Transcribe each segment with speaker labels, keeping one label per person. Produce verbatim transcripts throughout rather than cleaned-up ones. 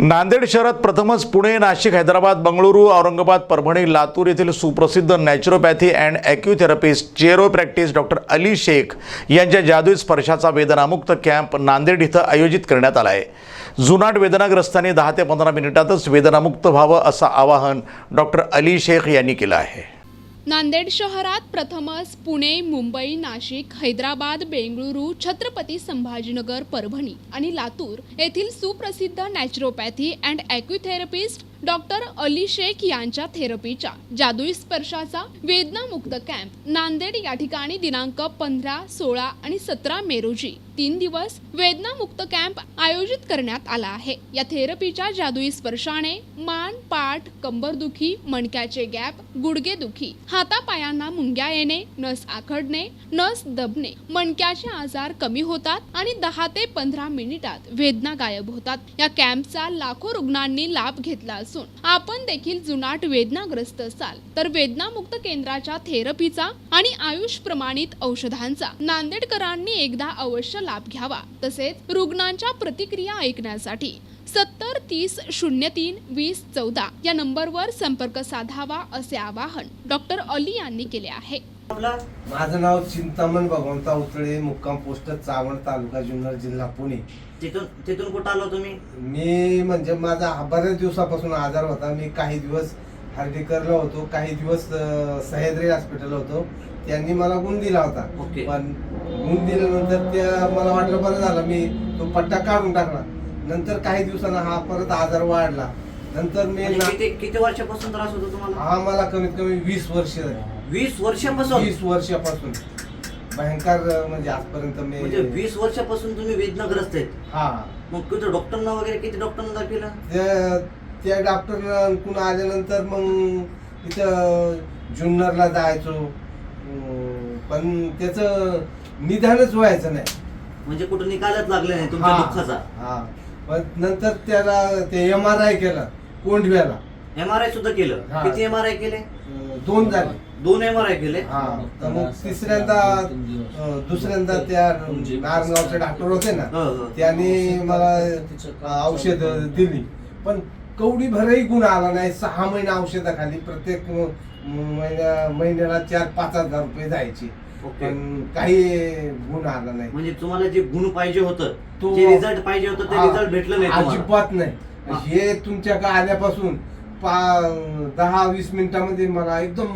Speaker 1: नांदेड शहरात प्रथमच पुणे, नाशिक, हैदराबाद, बंगळुरू, औरंगाबाद, परभणी, लातूर येथील सुप्रसिद्ध नॅचरोपॅथी अँड ॲक्युथेरपिस्ट चेरोप्रॅक्टिस डॉक्टर अली शेख यांच्या जादुई स्पर्शाचा वेदनामुक्त कॅम्प नांदेड इथं आयोजित करण्यात आला आहे. जुनाट वेदनाग्रस्तांनी दहा ते पंधरा मिनिटातच वेदनामुक्त व्हावं असं आवाहन डॉक्टर अली शेख यांनी केलं आहे.
Speaker 2: नांदेड शहरात प्रथमच पुणे, मुंबई, नाशिक, हैदराबाद, बेंगळुरू, छत्रपती संभाजीनगर, परभणी आणि लातूर येथील सुप्रसिद्ध naturopathy and acutherapist doctor Ali Shaikh यांच्या थेरपीच्या जादुई स्पर्शाचा वेदनामुक्त कॅम्प नांदेड या ठिकाणी दिनांक पंधरा, सोळा आणि सतरा मे रोजी तीन दिवस वेदनामुक्त कॅम्प आयोजित करण्यात आला आहे. या थेरपीच्या जादुई स्पर्शाने मान, पाठ, कंबरदुखी, मणक्याचे गॅप, गुडघेदुखी, हातापायांना मुंग्या येणे, नस आखडणे, नस दबणे, मणक्याचे आजार कमी होतात आणि दहा ते पंधरा मिनिटात वेदना गायब होतात. या कॅम्पचा लाखो रुग्णांनी लाभ घेतला असून आपण देखील जुनाट वेदनाग्रस्त असाल तर वेदनामुक्त केंद्राच्या थेरपीचा आणि आयुष प्रमाणित औषधांचा नांदेडकरांनी एकदा अवश्य लाभ घ्यावा. तसेच रुग्णांच्या प्रतिक्रिया ऐकण्यासाठी सत्तर तीस शून्य तीन वीस चौदा या नंबरवर संपर्क साधावा असे आवाहन डॉक्टर अली यांनी केले आहे.
Speaker 3: माझं नाव चिंतामण भगवंता उतळे, मुक्काम पोस्ट चावण, तालुका जुन्नर, जिल्हा पुणे.
Speaker 4: तिथून तिथून कुठं आलो तुम्ही?
Speaker 3: मी म्हणजे माझा बऱ्याच दिवसापासून आजार होता. मी काही दिवस हर्डीकरला होतो, काही दिवस सह्याद्री हॉस्पिटल होतो. त्यांनी मला गुण दिला होता. पण गुण दिल्यानंतर त्या मला वाटलं बरं झालं, मी तो पट्टा काढून टाकला. नंतर काही दिवसांना हा परत आजार वाढला. नंतर मी
Speaker 4: किती किती वर्षापासून त्रास होतो तुम्हाला?
Speaker 3: हा मला कमीत कमी वीस वर्ष झाली.
Speaker 4: वीस वर्षापासून?
Speaker 3: वीस वर्षापासून भयंकर, म्हणजे आजपर्यंत मी
Speaker 4: म्हणजे वीस वर्षापासून तुम्ही वेदनाग्रस्त आहेत?
Speaker 3: हा.
Speaker 4: मग किती डॉक्टरना वगैरे किती डॉक्टरना दाखवलं?
Speaker 3: त्या त्या डॉक्टरकडून आल्यानंतर मग इथं जुन्नरला जायचो, पण त्याचं निदानच व्हायचं नाही.
Speaker 4: म्हणजे कुठं निकालच लागले नाही तुमच्या दुःखाचा?
Speaker 3: हा. पण नंतर त्याला ते एम आर आय केला कोंढव्याला.
Speaker 4: एम आर आय सुद्धा केलं? किती एम आर आय केले?
Speaker 3: दोन झाले.
Speaker 4: दोन एम आर आय केले?
Speaker 3: हा. तर मग तिसऱ्यांदा दुसऱ्यांदा त्या नारगावचे डॉक्टर होते ना, त्यांनी मला औषध दिली. पण कवडी भरही गुण आला नाही. सहा महिने औषधाखाली प्रत्येक महिन्या महिन्याला चार पाच हजार रुपये जायचे, पण काही गुण आला नाही.
Speaker 4: म्हणजे तुम्हाला जे गुण पाहिजे होतं,
Speaker 3: तो
Speaker 4: जे रिझल्ट पाहिजे होतं ते रिझल्ट भेटलं नाही?
Speaker 3: अजिबात नाही. हे तुमच्याकडे आल्यापासून दहा वीस मिनिटांमध्ये मला एकदम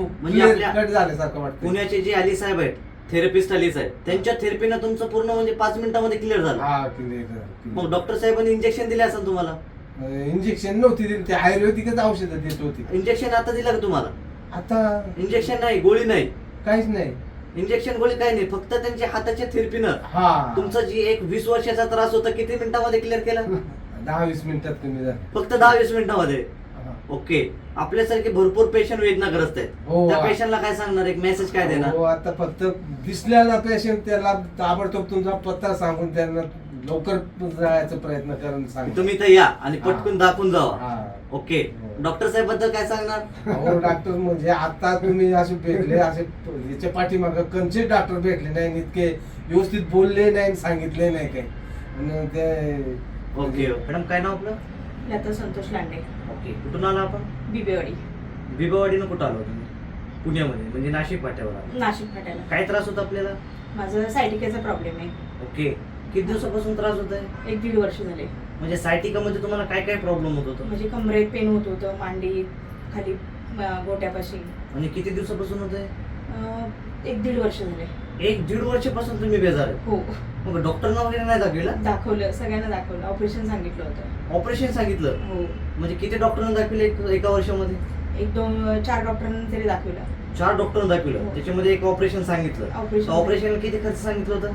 Speaker 3: कट झाल्यासारखं वाटतं.
Speaker 4: पुण्याचे जे अली साहेब आहेत, थेरपिस्ट अली साहेब, त्यांच्या थेरपीनं तुमचं पूर्ण म्हणजे पाच मिनिटांमध्ये क्लिअर झालं?
Speaker 3: हा, क्लिअर.
Speaker 4: मग डॉक्टर साहेबांनी इंजेक्शन दिले असेल तुम्हाला?
Speaker 3: इंजेक्शन नव्हती दिली, ते आयुर्वेदिकच औषधं देत होती.
Speaker 4: इंजेक्शन आता दिलं का तुम्हाला?
Speaker 3: आता
Speaker 4: इंजेक्शन नाही, गोळी नाही,
Speaker 3: काहीच नाही.
Speaker 4: इंजेक्शन गोळी काही नाही, फक्त त्यांच्या हाताच्या थेरपीनं
Speaker 3: हा
Speaker 4: तुमचा जी एक वीस वर्षाचा त्रास होता किती मिनिटांमध्ये क्लिअर केला?
Speaker 3: दहा वीस मिनिटात कमी झालं.
Speaker 4: फक्त दहा वीस मिनिटांमध्ये? ओके. आपल्यासारखे भरपूर पेशंट वेदनाग्रस्त आहेत, त्या पेशंटला काय सांगणार, एक मेसेज काय देणार?
Speaker 3: हो, आता फक्त दिसल्याला पेशंट त्याला ताबडतोब तुमचा पत्ता सांगून त्यांना लवकर जायचा प्रयत्न करून सांग.
Speaker 4: तुम्ही तर या आणि पटकन दाखवून जावा. ओके. डॉक्टर साहेब बद्दल काय सांगणार?
Speaker 3: हो, डॉक्टर म्हणजे आता तुम्ही असे भेटले, असे याच्या पाठीमागं कंचे डॉक्टर भेटले नाही, इतके व्यवस्थित बोलले नाही, सांगितले नाही काही ते.
Speaker 4: ओके. मॅडम काय नाव आपलं?
Speaker 5: लता संतोष लांडे.
Speaker 4: ओके. कुठून आला आपण?
Speaker 5: बिबेवाडी.
Speaker 4: बिबेवाडीनं कुठं आलो तुम्ही? पुण्यामध्ये, म्हणजे नाशिक फाट्यावर आलो.
Speaker 5: नाशिक फाट्याला.
Speaker 4: काय त्रास होता आपल्याला?
Speaker 5: माझं सायटिकाचा प्रॉब्लेम आहे.
Speaker 4: ओके. किती दिवसापासून त्रास होत आहे?
Speaker 5: एक दीड वर्ष झाले.
Speaker 4: म्हणजे सायटिका मध्ये तुम्हाला काय काय प्रॉब्लेम होत होतं?
Speaker 5: म्हणजे कमरेत पेन होत होतं, मांडी खाली गोट्यापाशी.
Speaker 4: म्हणजे किती दिवसापासून होत आहे?
Speaker 5: एक दीड वर्ष झाले.
Speaker 4: एक दीड वर्षापासून तुम्ही बेजार आहे?
Speaker 5: हो.
Speaker 4: मग डॉक्टरना वगैरे नाही दाखवलं?
Speaker 5: दाखवलं, सगळ्यांना दाखवलं. ऑपरेशन सांगितलं होतं.
Speaker 4: ऑपरेशन सांगितलं?
Speaker 5: हो.
Speaker 4: म्हणजे किती डॉक्टरांना दाखवलं एका वर्षामध्ये?
Speaker 5: एक दोन चार डॉक्टरांना तरी दाखवलं.
Speaker 4: चार डॉक्टरांना दाखवलं, त्याच्यामध्ये एक ऑपरेशन सांगितलं.
Speaker 5: ऑपरेशन
Speaker 4: ऑपरेशन किती खर्च सांगितलं होतं?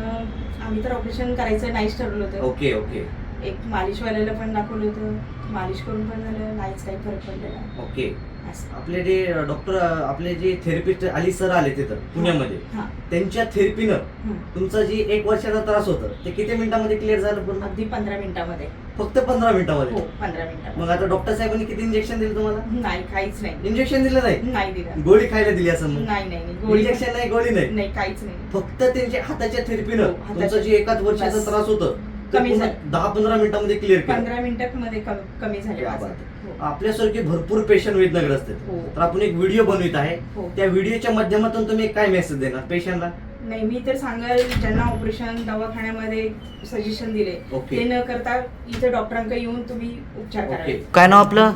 Speaker 5: आम्ही तर ऑपरेशन करायचं नाहीच ठरवलं होतं.
Speaker 4: Okay okay.
Speaker 5: एक मालिशवाल्याला पण दाखवलं होतं, मालिश करून पण झालं, नाहीच काही फरक पडलेला.
Speaker 4: ओके. आपले जे डॉक्टर, आपले जे थेरपिस्ट अली सर आले तिथं पुण्यामध्ये, त्यांच्या थेरपीनं तुमचा जी एक वर्षाचा त्रास होता ते किती मिनिटांमध्ये क्लिअर झालं पूर्ण?
Speaker 5: अगदी पंधरा मिनिटांमध्ये.
Speaker 4: फक्त पंधरा मिनिटांमध्ये?
Speaker 5: हो, पंधरा मिनिटांमध्ये.
Speaker 4: मग आता डॉक्टर साहेबांनी किती इंजेक्शन दिलं तुम्हाला?
Speaker 5: नाही, काहीच नाही.
Speaker 4: इंजेक्शन दिलं नाही?
Speaker 5: नाही दिलं.
Speaker 4: गोळी खायला दिली असं?
Speaker 5: नाही नाही, गोळी
Speaker 4: इंजेक्शन नाही, गोळी नाही?
Speaker 5: नाही, काहीच नाही.
Speaker 4: फक्त त्यांच्या हाताच्या थेरपीनं तुमचं जे एकाच वर्षाचा त्रास होतं ते
Speaker 5: कमी
Speaker 4: पूर्ण
Speaker 5: झाले.
Speaker 4: दहा पंधरा मिनिटांमध्ये क्लिअर केलं.
Speaker 5: पंधरा मिनिटांमध्ये कम- कमी झाले
Speaker 4: क्या
Speaker 5: माझे.
Speaker 4: बात आहे.
Speaker 5: हो.
Speaker 4: आपल्यासारखे भरपूर पेशंट वेदनाग्रस्त आहेत.
Speaker 5: हो.
Speaker 4: तर आपण एक व्हिडिओ बनवित आहे.
Speaker 5: हो.
Speaker 4: त्या व्हिडिओच्या माध्यमातून तुम्ही काय मेसेज देणार पेशंटला?
Speaker 5: नाही, मी तर सांगाल ज्यांना ऑपरेशन दवाखान्यामध्ये सजेशन दिले
Speaker 4: ओके.
Speaker 5: ते न करता इथे डॉक्टरांकडे येऊन तुम्ही उपचार
Speaker 4: ओके.
Speaker 5: करा.
Speaker 4: काय नाव आपलं?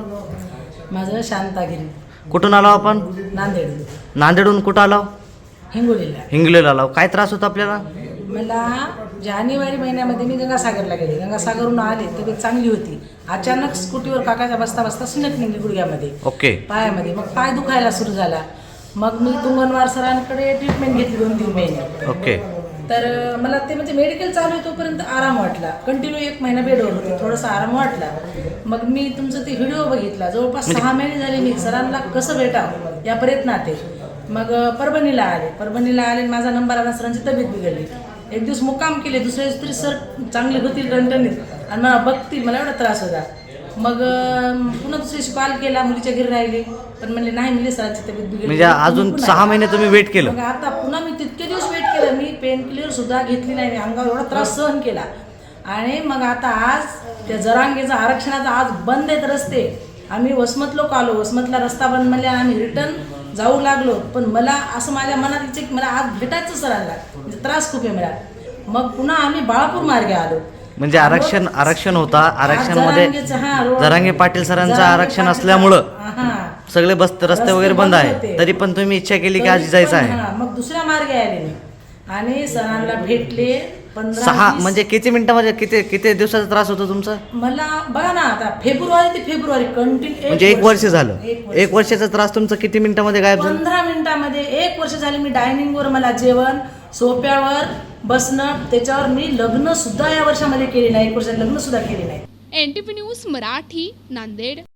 Speaker 6: माझं शांतागिरी
Speaker 4: कुठून आलो आपण?
Speaker 6: नांदेड
Speaker 4: नांदेडहून कुठं आलो?
Speaker 6: हिंगोलीला.
Speaker 4: हिंगलेला आलो. काय त्रास होता आपल्याला?
Speaker 6: मला जानेवारी महिन्यामध्ये मी गंगासागरला गेले. गंगासागरहून आले तब्येत चांगली होती. अचानक स्कूटीवर काकाच्या बसता बसता सिनक निघली गुडघ्यामध्ये,
Speaker 4: ओके.
Speaker 6: पायामध्ये. मग पाय दुखायला सुरू झाला. मग मी तुंगनवार सरांकडे ट्रीटमेंट घेतली दोन तीन महिने.
Speaker 4: ओके.
Speaker 6: तर अं, मला ते म्हणजे मेडिकल चालू आहे तोपर्यंत आराम वाटला. कंटिन्यू एक महिना बेडवर होते, थोडासा आराम वाटला. मग मी तुमचं ते व्हिडिओ बघितला. जवळपास सहा महिने झाले मी सरांना कसं भेटावं या प्रयत्नात आहे. मग अं, परभणीला आले. परभणीला आले, माझा नंबर आला. सरांची तब्येत बिघडली. एक दिवस मुक्काम केले. दुसऱ्या दिवशी तरी सर चांगले होतील रणटणीत आणि मला बघतील, मला एवढा त्रास होता. मग अं, पुन्हा दुसऱ्या दिवशी कॉल केला, मुलीच्या घरी राहिले. पण म्हणले नाही, म्हणजे सरांची तब्येत बिघडली.
Speaker 4: म्हणजे अजून
Speaker 6: पुन्हा-
Speaker 4: सहा महिने तुम्ही वेट केलं?
Speaker 6: मग आता पुन्हा मी तितके दिवस वेट केलं. मी पेन किलर सुद्धा घेतली नाही. मी अंगावर एवढा त्रास सहन केला. आणि मग आता आज त्या जरांगेचा आरक्षणाचा आज बंद आहेत रस्ते. आम्ही वसमत लोक आलो. वसमतला रस्ता बंद म्हणजे आम्ही रिटर्न जाऊ लागलो. पण मला असं माझ्या मनात इच्छा की मला आज भेटायचं सरांना, म्हणजे त्रास खूप आहे मला. मग पुन्हा आम्ही बाळापूर मार्गे आलो.
Speaker 4: म्हणजे आरक्षण आरक्षण होता. आरक्षणमध्ये
Speaker 6: जरांगेचं, हा, रोड-
Speaker 4: जरांगे पाटील सरांचं
Speaker 6: जरांगे
Speaker 4: आरक्षण
Speaker 6: पाटील-
Speaker 4: असल्यामुळं
Speaker 6: हा.
Speaker 4: सगळे बस रस्ते
Speaker 6: रस्ते
Speaker 4: वगैरे बंद
Speaker 6: बंद
Speaker 4: आहे.
Speaker 6: होते.
Speaker 4: तरी पण तुम्ही इच्छा केली की
Speaker 6: तरी
Speaker 4: आज जायचं
Speaker 6: पण,
Speaker 4: आहे.
Speaker 6: हा, मग दुसऱ्या मार्गे आले मी आणि सरांना भेटले. पंधरा
Speaker 4: सहा
Speaker 6: वीस-
Speaker 4: म्हणजे किती मिनिटामध्ये किती किती दिवसाचा त्रास होतो तुमचा?
Speaker 6: मला बघा ना, आता फेब्रुवारी ते फेब्रुवारी कंटिन्यू
Speaker 4: म्हणजे एक वर्ष झालं.
Speaker 6: एक वर्ष.
Speaker 4: एक वर्षाचा त्रास तुमचा किती मिनिटामध्ये गायब झाला?
Speaker 6: पंधरा मिनिटामध्ये एक वर्ष झाले. मी डायनिंगवर मला जेवण, सोप्यावर बसणं, त्याच्यावर मी लग्न सुद्धा या वर्षामध्ये केले नाही. एक वर्षात लग्न सुद्धा केले नाही.
Speaker 2: N T V news Marathi, Nanded.